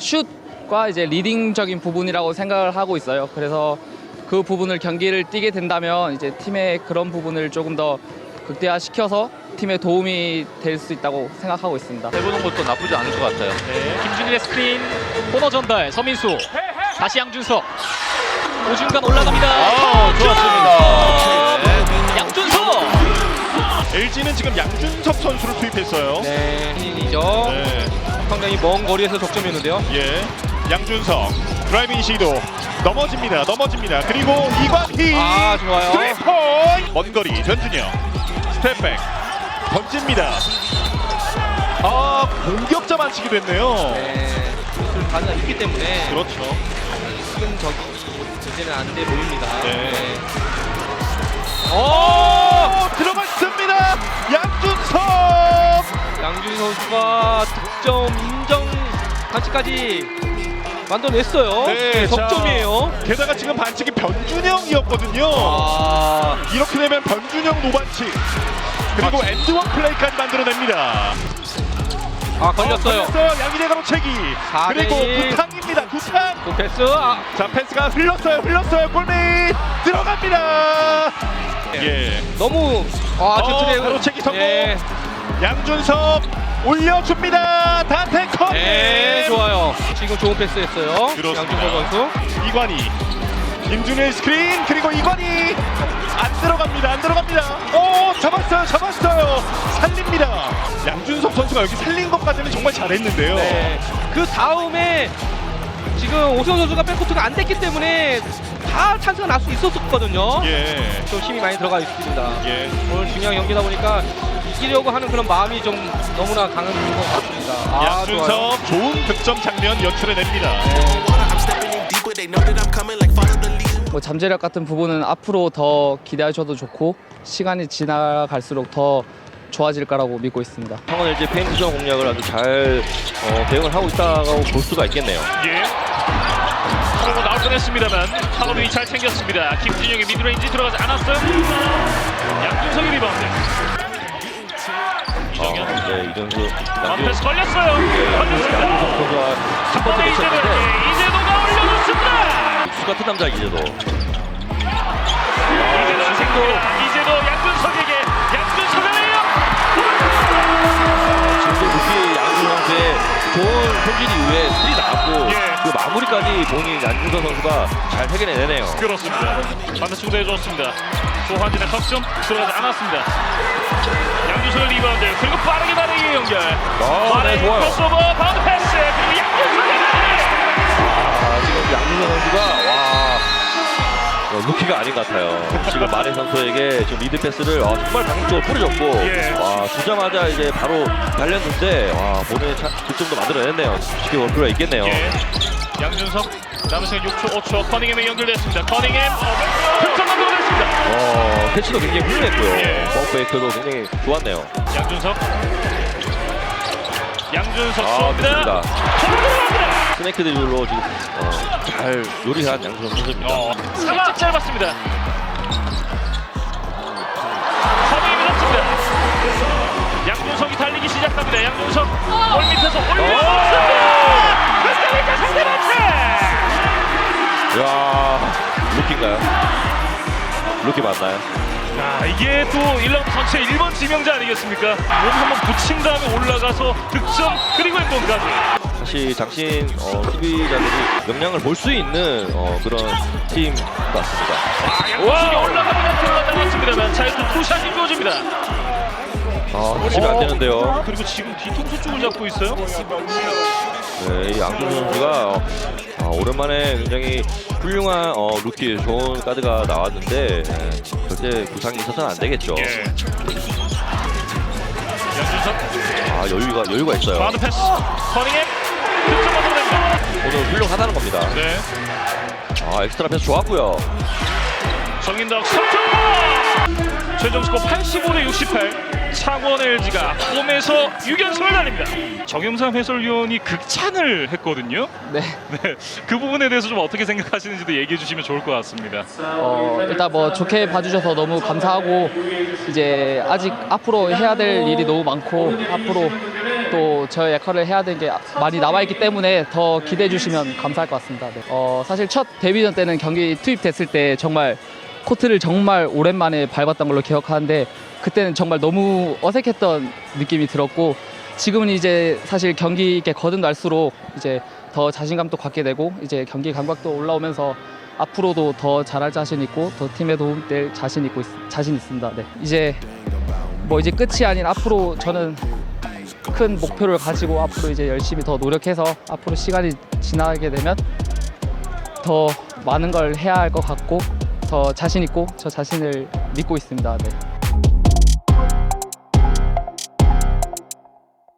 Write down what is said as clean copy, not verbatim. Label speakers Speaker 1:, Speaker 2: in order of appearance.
Speaker 1: 슛과 이제 리딩적인 부분이라고 생각을 하고 있어요. 그래서 그 부분을 경기를 뛰게 된다면 이제 팀의 그런 부분을 조금 더 극대화시켜서 팀에 도움이 될 수 있다고 생각하고 있습니다.
Speaker 2: 해보는 것도 나쁘지 않을 것 같아요.
Speaker 3: 네, 김준일의 스크린 코너 전달 서민수 다시 양준석 오중간 올라갑니다.
Speaker 2: 좋았습니다.
Speaker 3: 네. 양준석
Speaker 4: LG는 지금 양준석 선수를 투입했어요.
Speaker 3: 네, 신인이죠.
Speaker 4: 네.
Speaker 3: 상당히 먼 거리에서 득점이었는데요.
Speaker 4: 예. 양준석 드라이빙 시도 넘어집니다. 그리고 이관희
Speaker 3: 아, 좋아요.
Speaker 4: 3포인트 먼 거리 변준영 스텝백 던집니다. 아, 공격자 만치기 됐네요.
Speaker 3: 네, 슛을 가능가 있기 때문에
Speaker 4: 그렇죠.
Speaker 3: 지금 저기 이제는 안 돼 보입니다.
Speaker 4: 네. 들어갔습니다. 양준석.
Speaker 3: 양준희 선수가 득점 인정 반칙까지 만들어냈어요.
Speaker 4: 네,
Speaker 3: 석점이에요.
Speaker 4: 게다가 지금 반칙이 변준영이었거든요.
Speaker 3: 아,
Speaker 4: 이렇게 되면 변준영 노반칙 그리고 엔드원 플레이까지 만들어냅니다.
Speaker 3: 걸렸어요.
Speaker 4: 양희대 가로채기 그리고
Speaker 3: 4대1.
Speaker 4: 구탕입니다. 구탕.
Speaker 3: 그 패스.
Speaker 4: 자, 패스가 흘렀어요. 골밑 들어갑니다. 예.
Speaker 3: 너무 셔틀의
Speaker 4: 가로채기 성공.
Speaker 3: 네,
Speaker 4: 양준석 올려줍니다. 다테커.
Speaker 3: 네, 좋아요. 지금 좋은 패스했어요.
Speaker 4: 그렇습니다.
Speaker 3: 양준석 선수.
Speaker 4: 이관희 김준일 스크린 그리고 이관희 안 들어갑니다. 잡았어요. 살립니다. 양준석 선수가 여기 살린 것까지는 정말 잘했는데요.
Speaker 3: 네. 그 다음에 지금 오세훈 선수가 백코트가 안 됐기 때문에 다 찬스가 날 수 있었거든요.
Speaker 4: 예.
Speaker 3: 좀 힘이 많이 들어가 있습니다.
Speaker 4: 예.
Speaker 3: 오늘 중요한 경기다 보니까 이기려고 하는 그런 마음이 좀 너무나 강한 것 같습니다. 좋아요.
Speaker 4: 양준석 좋은 득점 장면 연출해냅니다.
Speaker 1: 뭐 잠재력 같은 부분은 앞으로 더 기대하셔도 좋고 시간이 지나갈수록 더 좋아질 거라고 믿고 있습니다.
Speaker 2: 창원 LG 페인트 전 공략을 아주 잘 대응을 하고 있다고 볼 수가 있겠네요.
Speaker 5: 예. 그러고 나올 뻔했습니다만 파울이 잘 챙겼습니다. 김준영의 미드레인지 들어가지 않았어요. 양준석의 리바운드. 이정현.
Speaker 2: 네, 이정수
Speaker 5: 패스 걸렸어요. 걸렸습니다.
Speaker 2: 선수가 첫
Speaker 5: 한
Speaker 2: 번째
Speaker 5: 번에
Speaker 2: 매치였는데
Speaker 5: 이재도가 올려놓습니다.
Speaker 2: 수 같은 남자 이제도
Speaker 5: 이재도가 생깁니다. 이재도 양준석에게 양준석을 내요.
Speaker 2: 지금도 루키 양준 선수의 좋은 손질 이후에 스틸이 나왔고
Speaker 5: 예.
Speaker 2: 그 마무리까지 본인 양준석 선수가 잘 해결해내네요.
Speaker 5: 그렇습니다. 반대쪽도 해줬습니다. 조한진의 석점 들어가지 않았습니다. 양준석의 리바운드 그리고 빠르게 연결.
Speaker 2: 네, 좋아요.
Speaker 5: 크로스오버 바운드 패스 그리고 양준석의
Speaker 2: 지금 양준석 선수가 루키가 아닌 것 같아요. 지금 마레 선수에게 지금 리드 패스를 정말 방향적으로 뿌려줬고
Speaker 5: 예.
Speaker 2: 주자마자 이제 바로 달렸는데 본인의 득점도 만들어냈네요. 쉽게 볼 필요가 있겠네요.
Speaker 5: 예. 양준석 남은 시간 6초 5초 커닝햄에 연결됐습니다. 커닝햄 득점 만들어냈습니다.
Speaker 2: 캐치도 굉장히 훌륭했고요.
Speaker 5: 예.
Speaker 2: 버크베이크도 굉장히 좋았네요.
Speaker 5: 양준석 쏩니다.
Speaker 2: 좋습니다.
Speaker 5: 들어갑니다.
Speaker 2: 스네이크 드릴로 지금 잘 요리한 양준석 선수입니다.
Speaker 5: 살짝 짧았습니다. 커닝이 밀었습니다. 양준석이 달리기 시작합니다. 양준석 골 밑에서 올려놓습니다. 끝까지 상대 반칙.
Speaker 2: 이야, 루키인가요? 루키 맞나요?
Speaker 5: 이게 또 1라운드 전체 1번 지명자 아니겠습니까? 몸 한번 붙인 다음에 올라가서 득점 그리고 행동까지.
Speaker 2: 사실 장신 수비자들이 역량을 볼 수 있는 그런 팀 같습니다.
Speaker 5: 양준석이 올라가면 들어갔습니다만 자유투 투샷이 주어집니다.
Speaker 2: 놓치면 안 되는데요.
Speaker 5: 그리고 지금 뒤통수 쪽을 잡고 있어요.
Speaker 2: 네, 이 양준석 선수가 오랜만에 굉장히 훌륭한 루키 좋은 카드가 나왔는데 절대 부상이 있어서는 안 되겠죠.
Speaker 5: 예. 양준석
Speaker 2: 여유가 있어요.
Speaker 5: 바운드 패스 커닝햄 득점 얻어냅니다.
Speaker 2: 오늘 훌륭하다는 겁니다.
Speaker 5: 네.
Speaker 2: 엑스트라 패스 좋았고요.
Speaker 5: 정인덕 석점! 최종 스코어 85대 68. 창원 LG가 홈에서 6연승을 달립니다. 정영삼 해설위원이 극찬을 했거든요.
Speaker 1: 네.
Speaker 5: 네, 그 부분에 대해서 좀 어떻게 생각하시는지도 얘기해 주시면 좋을 것 같습니다.
Speaker 1: 일단 뭐 좋게 봐주셔서 너무 감사하고 이제 아직 앞으로 해야 될 일이 너무 많고 앞으로 또 저 역할을 해야 되는 게 많이 남아있기 때문에 더 기대해 주시면 감사할 것 같습니다. 네. 사실 첫 데뷔전 때는 경기 투입됐을 때 정말 코트를 정말 오랜만에 밟았던 걸로 기억하는데 그때는 정말 너무 어색했던 느낌이 들었고 지금은 이제 사실 경기 있게 거듭날수록 이제 더 자신감도 갖게 되고 이제 경기 감각도 올라오면서 앞으로도 더 잘할 자신 있고 더 팀에 도움될 자신 있습니다. 네. 이제 끝이 아닌 앞으로 저는 큰 목표를 가지고 앞으로 이제 열심히 더 노력해서 앞으로 시간이 지나게 되면 더 많은 걸 해야 할 것 같고 더 자신 있고 저 자신을 믿고 있습니다. 네.